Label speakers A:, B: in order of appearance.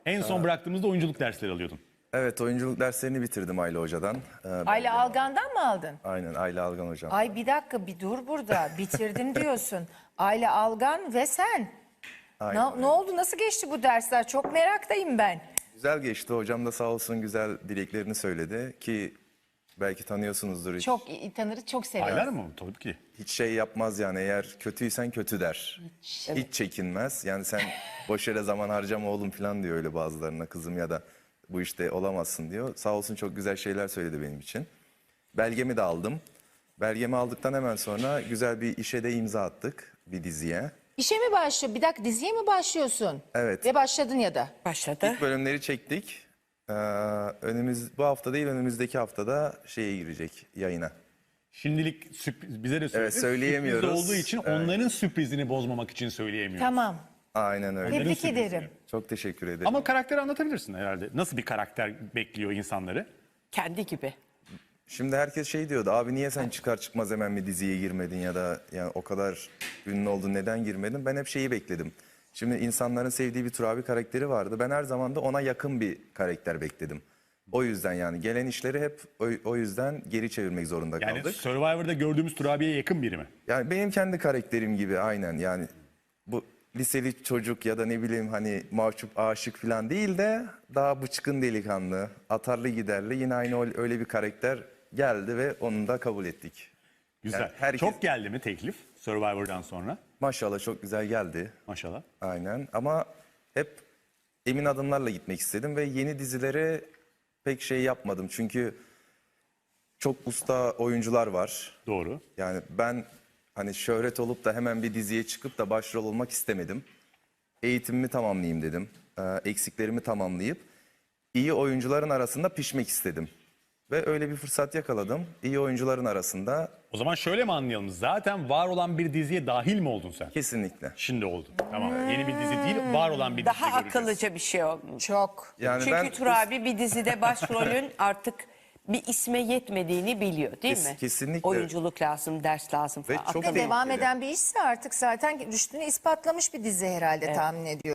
A: En son bıraktığımızda oyunculuk dersleri alıyordun.
B: Evet, oyunculuk derslerini bitirdim Ayla Hoca'dan.
C: Ayla Algan'dan mı aldın?
B: Aynen, Ayla Algan Hocam.
C: Ay bir dakika bir dur burada. Bitirdim diyorsun. Ayla Algan ve sen. Ne oldu? Nasıl geçti bu dersler? Çok meraktayım ben.
B: Güzel geçti. Hocam da sağ olsun güzel dileklerini söyledi ki belki tanıyorsunuzdur.
C: Çok iyi tanırız, çok severiz.
A: Aylar mı? Tabii ki.
B: Hiç şey yapmaz yani, eğer kötüysen kötü der. Hiç çekinmez. Yani sen boş yere zaman harcama oğlum falan diyor öyle bazılarına, kızım ya da bu işte olamazsın diyor. Sağ olsun çok güzel şeyler söyledi benim için. Belgemi de aldım. Belgemi aldıktan hemen sonra güzel bir işe de imza attık, bir diziye.
C: İşe mi başlıyor? Bir dakika, diziye mi başlıyorsun?
B: Evet.
C: Ve başladın ya da.
D: Başladı.
B: Bölümleri çektik. Bu hafta değil, önümüzdeki haftada şeye girecek, yayına.
A: Şimdilik sürpriz, bize de sürpriz.
B: Evet, söyleyemiyoruz.
A: Sürpriz olduğu için onların sürprizini bozmamak için söyleyemiyoruz.
C: Tamam.
B: Aynen öyle.
C: Tebrik
A: sürprizi.
C: ederim.
B: Çok teşekkür ederim.
A: Ama karakteri anlatabilirsin herhalde. Nasıl bir karakter bekliyor insanları?
D: Kendi gibi.
B: Şimdi herkes şey diyordu, abi niye sen çıkar çıkmaz hemen bir diziye girmedin ya da yani o kadar ünlü oldun neden girmedin? Ben hep şeyi bekledim. Şimdi insanların sevdiği bir Turabi karakteri vardı. Ben her zaman da ona yakın bir karakter bekledim. O yüzden yani gelen işleri hep o yüzden geri çevirmek zorunda
A: Yani
B: kaldık.
A: Survivor'da gördüğümüz Turabi'ye yakın biri mi?
B: Yani benim kendi karakterim gibi aynen, yani bu liseli çocuk ya da ne bileyim hani mahcup aşık falan değil de daha bıçkın delikanlı, atarlı giderli, yine aynı öyle bir karakter geldi ve onu da kabul ettik.
A: Güzel.
B: Yani herkes-
A: Çok geldi mi teklif Survivor'dan sonra?
B: Maşallah çok güzel geldi.
A: Maşallah.
B: Aynen, ama hep emin adımlarla gitmek istedim ve yeni dizilere pek şey yapmadım. Çünkü çok usta oyuncular var.
A: Doğru.
B: Yani ben hani şöhret olup da hemen bir diziye çıkıp da başrol olmak istemedim. Eğitimimi tamamlayayım dedim. Eksiklerimi tamamlayıp iyi oyuncuların arasında pişmek istedim. Ve öyle bir fırsat yakaladım. İyi oyuncuların arasında
A: O zaman şöyle mi anlayalım? Zaten var olan bir diziye dahil mi oldun sen?
B: kesinlikle.
A: Şimdi oldun. Tamam. Yeni bir dizi değil, var olan bir dizi
D: Daha
A: göreceğiz.
D: akıllıca bir şey olmuş.
C: Çok.
B: Yani
D: Çünkü Turabi bir dizide başrolün artık bir isme yetmediğini biliyor değil mi?
B: Kesinlikle.
D: Oyunculuk lazım, ders lazım
B: Ve
D: falan.
B: çok
C: Ve devam
B: tehlikeli.
C: eden bir işse artık zaten rüştünü ispatlamış bir dizi herhalde tahmin ediyorum.